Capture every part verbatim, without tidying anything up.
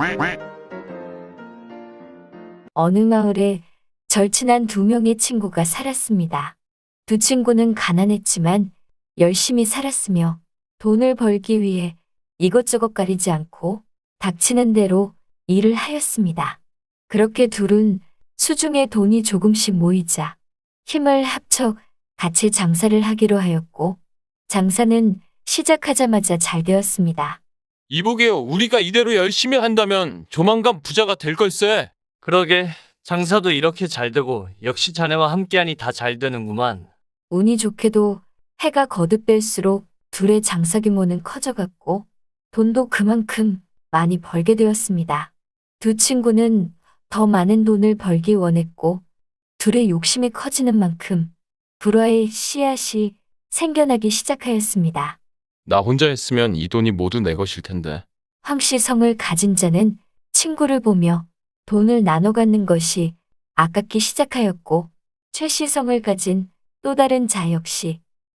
어느 마을에 절친한 두 명의 친구가 살았습니다. 두 친구는 가난했지만 열심히 살았으며 돈을 벌기 위해 이것저것 가리지 않고 닥치는 대로 일을 하였습니다. 그렇게 둘은 수중에 돈이 조금씩 모이자 힘을 합쳐 같이 장사를 하기로 하였고 장사는 시작하자마자 잘 되었습니다. 이보게요. 우리가 이대로 열심히 한다면 조만간 부자가 될 걸세. 그러게, 장사도 이렇게 잘 되고 역시 자네와 함께하니 다 잘 되는구만. 운이 좋게도 해가 거듭될수록 둘의 장사 규모는 커져갔고 돈도 그만큼 많이 벌게 되었습니다. 두 친구는 더 많은 돈을 벌기 원했고 둘의 욕심이 커지는 만큼 불화의 씨앗이 생겨나기 시작하였습니다. 나 혼자 했으면 이 돈이 모두 내 것일 텐데. 황씨성을 가진 자는 친구를 보며 돈을 나눠 갖는 것이 아깝기 시작하였고 최씨성을 가진 또 다른 자 역시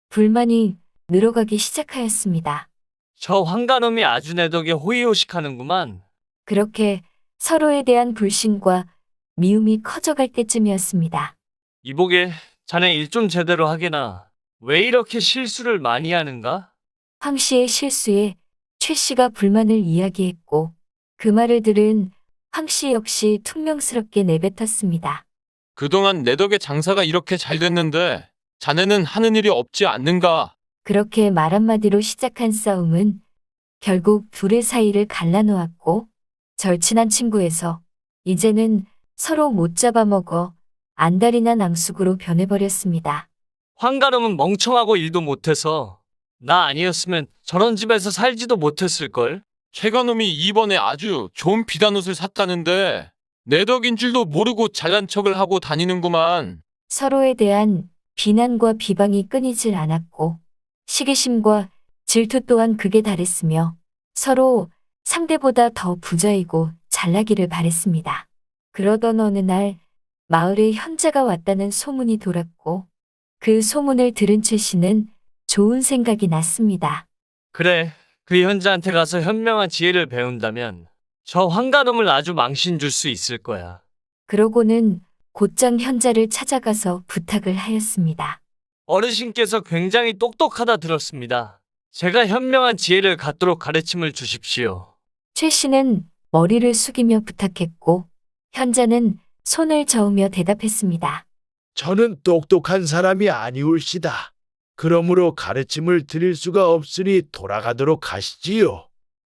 불만이 늘어가기 시작하였습니다. 저 황가놈이 아주 내 덕에 호의호식하는구만. 그렇게 서로에 대한 불신과 미움이 커져갈 때쯤이었습니다. 이보게, 자네 일 좀 제대로 하게나. 왜 이렇게 실수를 많이 하는가? 황씨의 실수에 최씨가 불만을 이야기했고 그 말을 들은 황씨 역시 퉁명스럽게 내뱉었습니다. 그동안 내 덕에 장사가 이렇게 잘 됐는데 자네는 하는 일이 없지 않는가? 그렇게 말 한마디로 시작한 싸움은 결국 둘의 사이를 갈라놓았고 절친한 친구에서 이제는 서로 못 잡아먹어 안달이 난 앙숙으로 변해버렸습니다. 황가놈은 멍청하고 일도 못해서 나 아니었으면 저런 집에서 살지도 못했을걸. 최가놈이 이번에 아주 좋은 비단옷을 샀다는데 내 덕인 줄도 모르고 잘난 척을 하고 다니는구만. 서로에 대한 비난과 비방이 끊이질 않았고 시기심과 질투 또한 극에 달했으며 서로 상대보다 더 부자이고 잘나기를 바랬습니다. 그러던 어느 날 마을에 현자가 왔다는 소문이 돌았고 그 소문을 들은 최 씨는 좋은 생각이 났습니다. 그래, 그 현자한테 가서 현명한 지혜를 배운다면 저 황가놈을 아주 망신 줄 수 있을 거야. 그러고는 곧장 현자를 찾아가서 부탁을 하였습니다. 어르신께서 굉장히 똑똑하다 들었습니다. 제가 현명한 지혜를 갖도록 가르침을 주십시오. 최 씨는 머리를 숙이며 부탁했고 현자는 손을 저으며 대답했습니다. 저는 똑똑한 사람이 아니올시다. 그러므로 가르침을 드릴 수가 없으니 돌아가도록 하시지요.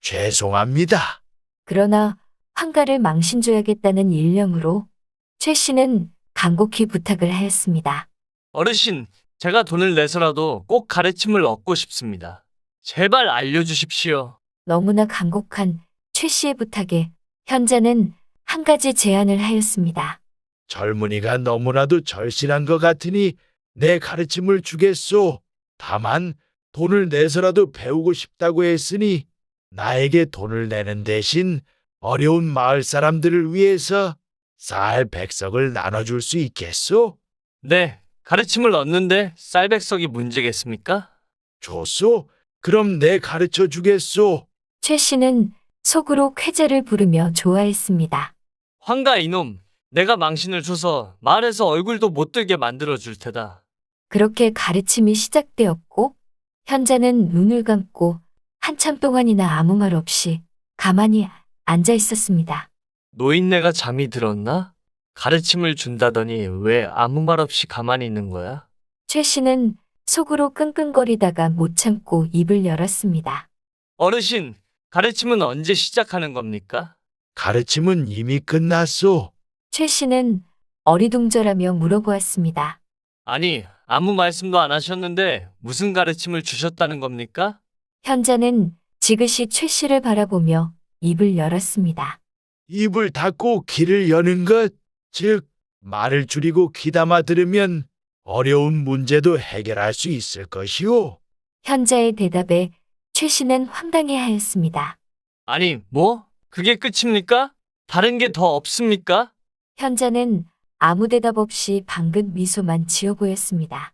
죄송합니다. 그러나 황가를 망신줘야겠다는 일념으로 최 씨는 간곡히 부탁을 하였습니다. 어르신, 제가 돈을 내서라도 꼭 가르침을 얻고 싶습니다. 제발 알려주십시오. 너무나 간곡한 최 씨의 부탁에 현자는 한 가지 제안을 하였습니다. 젊은이가 너무나도 절실한 것 같으니 내 가르침을 주겠소. 다만 돈을 내서라도 배우고 싶다고 했으니 나에게 돈을 내는 대신 어려운 마을 사람들을 위해서 쌀 백석을 나눠줄 수 있겠소? 네, 가르침을 얻는데 쌀백석이 문제겠습니까? 좋소. 그럼 내 가르쳐 주겠소. 최 씨는 속으로 쾌재를 부르며 좋아했습니다. 황가 이놈, 내가 망신을 줘서 마을에서 얼굴도 못 들게 만들어 줄 테다. 그렇게 가르침이 시작되었고 현자는 눈을 감고 한참 동안이나 아무 말 없이 가만히 앉아 있었습니다. 노인네가 잠이 들었나? 가르침을 준다더니 왜 아무 말 없이 가만히 있는 거야? 최 씨는 속으로 끙끙거리다가 못 참고 입을 열었습니다. 어르신, 가르침은 언제 시작하는 겁니까? 가르침은 이미 끝났소. 최 씨는 어리둥절하며 물어보았습니다. 아니, 아무 말씀도 안 하셨는데 무슨 가르침을 주셨다는 겁니까? 현자는 지그시 최 씨를 바라보며 입을 열었습니다. 입을 닫고 귀를 여는 것, 즉 말을 줄이고 귀담아 들으면 어려운 문제도 해결할 수 있을 것이오. 현자의 대답에 최 씨는 황당해하였습니다. 아니, 뭐? 그게 끝입니까? 다른 게 더 없습니까? 현자는 아무 대답 없이 방긋 미소만 지어 보였습니다.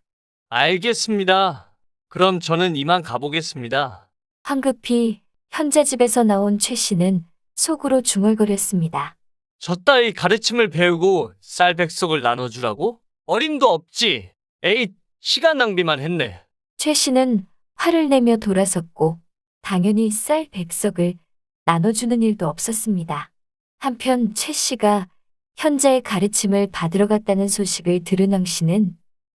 알겠습니다. 그럼 저는 이만 가보겠습니다. 황급히 현자 집에서 나온 최 씨는 속으로 중얼거렸습니다. 저 따위 가르침을 배우고 쌀 백석을 나눠주라고? 어림도 없지. 에잇, 시간 낭비만 했네. 최 씨는 화를 내며 돌아섰고 당연히 쌀 백석을 나눠주는 일도 없었습니다. 한편 최 씨가 현자의 가르침을 받으러 갔다는 소식을 들은 황 씨는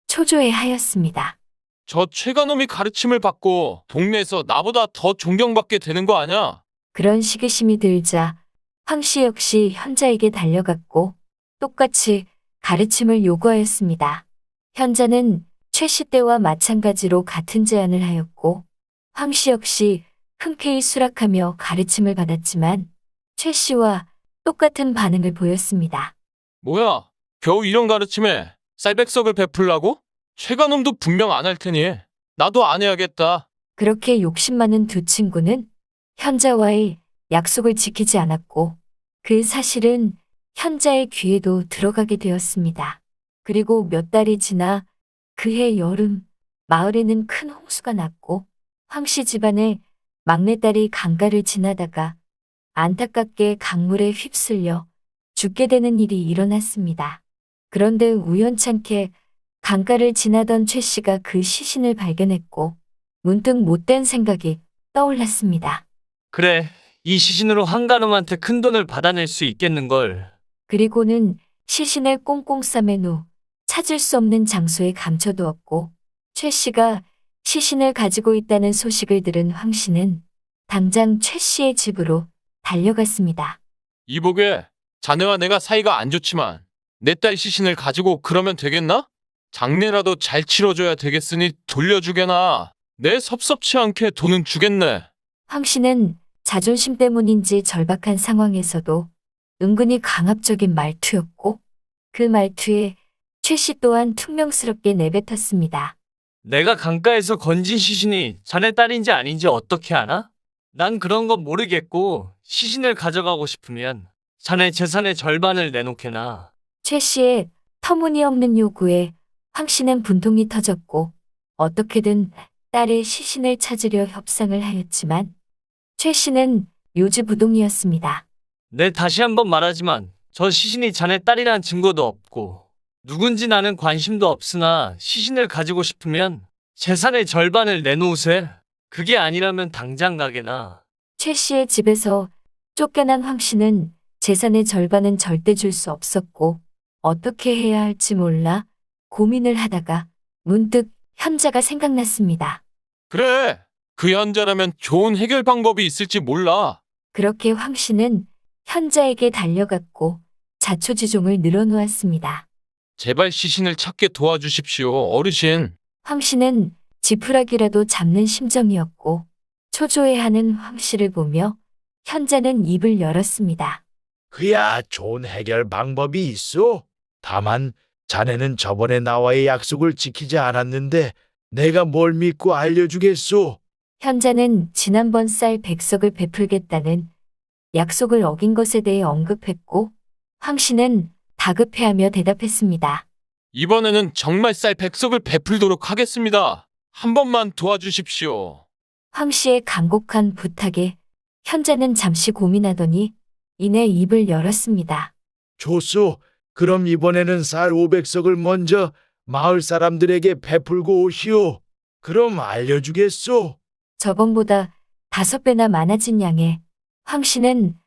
초조해하였습니다. 저 최가놈이 가르침을 받고 동네에서 나보다 더 존경받게 되는 거 아냐? 그런 시기심이 들자 황 씨 역시 현자에게 달려갔고 똑같이 가르침을 요구하였습니다. 현자는 최 씨 때와 마찬가지로 같은 제안을 하였고 황 씨 역시 흔쾌히 수락하며 가르침을 받았지만 최 씨와 똑같은 반응을 보였습니다. 뭐야? 겨우 이런 가르침에 쌀백석을 베풀라고? 최가놈도 분명 안 할 테니 나도 안 해야겠다. 그렇게 욕심 많은 두 친구는 현자와의 약속을 지키지 않았고 그 사실은 현자의 귀에도 들어가게 되었습니다. 그리고 몇 달이 지나 그해 여름 마을에는 큰 홍수가 났고 황 씨 집안의 막내딸이 강가를 지나다가 안타깝게 강물에 휩쓸려 죽게 되는 일이 일어났습니다. 그런데 우연찮게 강가를 지나던 최 씨가 그 시신을 발견했고 문득 못된 생각이 떠올랐습니다. 그래, 이 시신으로 한가놈한테 큰 돈을 받아낼 수 있겠는걸. 그리고는 시신을 꽁꽁 싸맨 후 찾을 수 없는 장소에 감춰두었고 최 씨가 시신을 가지고 있다는 소식을 들은 황 씨는 당장 최 씨의 집으로 달려갔습니다. 이보게, 자네와 내가 사이가 안 좋지만 내 딸 시신을 가지고 그러면 되겠나? 장례라도 잘 치러줘야 되겠으니 돌려주게나. 내 섭섭치 않게 돈은 주겠네. 황 씨는 자존심 때문인지 절박한 상황에서도 은근히 강압적인 말투였고 그 말투에 최 씨 또한 퉁명스럽게 내뱉었습니다. 내가 강가에서 건진 시신이 자네 딸인지 아닌지 어떻게 아나? 난 그런 건 모르겠고 시신을 가져가고 싶으면 자네 재산의 절반을 내놓게나. 최 씨의 터무니없는 요구에 황 씨는 분통이 터졌고 어떻게든 딸의 시신을 찾으려 협상을 하였지만 최 씨는 요지부동이었습니다. 네, 다시 한번 말하지만 저 시신이 자네 딸이란 증거도 없고 누군지 나는 관심도 없으나 시신을 가지고 싶으면 재산의 절반을 내놓으세. 그게 아니라면 당장 가게나. 최 씨의 집에서 쫓겨난 황 씨는 재산의 절반은 절대 줄 수 없었고 어떻게 해야 할지 몰라 고민을 하다가 문득 현자가 생각났습니다. 그래, 그 현자라면 좋은 해결 방법이 있을지 몰라. 그렇게 황 씨는 현자에게 달려갔고 자초지종을 늘어놓았습니다. 제발 시신을 찾게 도와주십시오, 어르신. 황 씨는 지푸라기라도 잡는 심정이었고 초조해하는 황 씨를 보며 현자는 입을 열었습니다. 그야 좋은 해결 방법이 있어. 다만 자네는 저번에 나와의 약속을 지키지 않았는데 내가 뭘 믿고 알려주겠소? 현자는 지난번 쌀 백석을 베풀겠다는 약속을 어긴 것에 대해 언급했고 황 씨는 다급해하며 대답했습니다. 이번에는 정말 쌀 백석을 베풀도록 하겠습니다. 한 번만 도와주십시오. 황 씨의 간곡한 부탁에 현자는 잠시 고민하더니 이내 입을 열었습니다. 좋소. 그럼 이번에는 쌀 오백 석을 먼저 마을 사람들에게 베풀고 오시오. 그럼 알려주겠소? 저번보다 다섯 배나 많아진 양에 황 씨는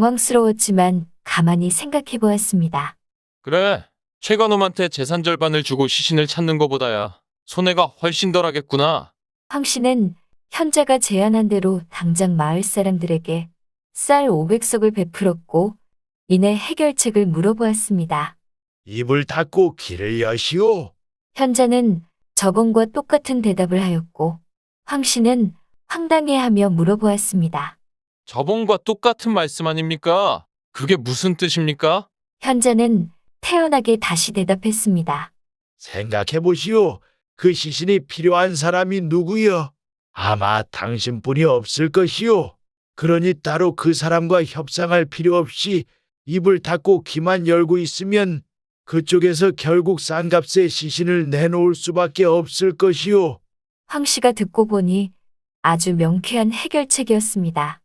당황스러웠지만 가만히 생각해 보았습니다. 그래, 최관놈한테 재산 절반을 주고 시신을 찾는 것보다야 손해가 훨씬 덜하겠구나. 황 씨는 현자가 제안한 대로 당장 마을 사람들에게 쌀 오백 석을 베풀었고 이내 해결책을 물어보았습니다. 입을 닫고 귀를 여시오. 현자는 저번과 똑같은 대답을 하였고 황 씨는 황당해하며 물어보았습니다. 저번과 똑같은 말씀 아닙니까? 그게 무슨 뜻입니까? 현자는 태연하게 다시 대답했습니다. 생각해 보시오. 그 시신이 필요한 사람이 누구여? 아마 당신뿐이 없을 것이오. 그러니 따로 그 사람과 협상할 필요 없이 입을 닫고 귀만 열고 있으면 그쪽에서 결국 싼값에 시신을 내놓을 수밖에 없을 것이오. 황 씨가 듣고 보니 아주 명쾌한 해결책이었습니다.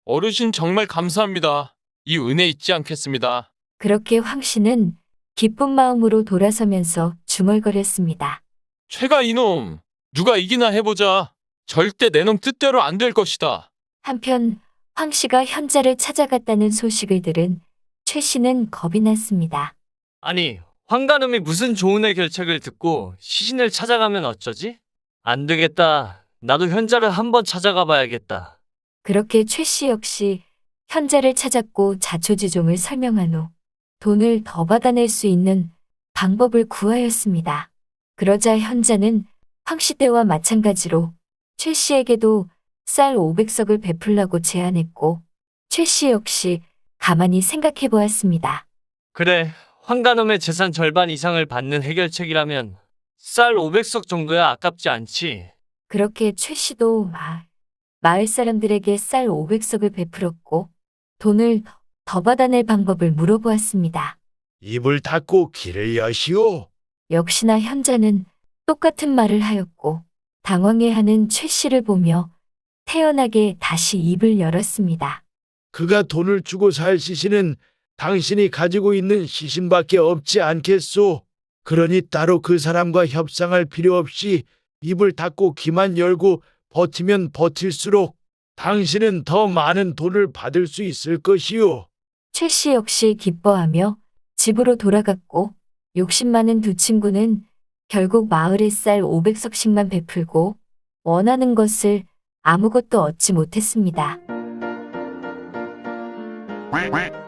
어르신 정말 감사합니다. 이 은혜 잊지 않겠습니다. 그렇게 황 씨는 기쁜 마음으로 돌아서면서 중얼거렸습니다. 최가 이놈, 누가 이기나 해보자. 절대 내 놈 뜻대로 안 될 것이다. 한편 황 씨가 현자를 찾아갔다는 소식을 들은 최 씨는 겁이 났습니다. 아니, 황가놈이 무슨 좋은 애 결책을 듣고 시신을 찾아가면 어쩌지? 안 되겠다. 나도 현자를 한번 찾아가 봐야겠다. 그렇게 최 씨 역시 현자를 찾았고 자초지종을 설명한 후 돈을 더 받아낼 수 있는 방법을 구하였습니다. 그러자 현자는 황 씨 때와 마찬가지로 최 씨에게도 쌀 오백 석을 베풀라고 제안했고 최 씨 역시 가만히 생각해 보았습니다. 그래, 황가놈의 재산 절반 이상을 받는 해결책이라면 쌀 오백 석 정도야 아깝지 않지. 그렇게 최 씨도 마, 마을 사람들에게 쌀 오백 석을 베풀었고 돈을 더 받아낼 방법을 물어보았습니다. 입을 닫고 귀를 여시오. 역시나 현자는 똑같은 말을 하였고 당황해하는 최 씨를 보며 태연하게 다시 입을 열었습니다. 그가 돈을 주고 살 시신은 당신이 가지고 있는 시신밖에 없지 않겠소. 그러니 따로 그 사람과 협상할 필요 없이 입을 닫고 귀만 열고 버티면 버틸수록 당신은 더 많은 돈을 받을 수 있을 것이오. 최 씨 역시 기뻐하며 집으로 돌아갔고 욕심 많은 두 친구는 결국 마을에 쌀 오백 석씩만 베풀고 원하는 것을 아무것도 얻지 못했습니다. quack quack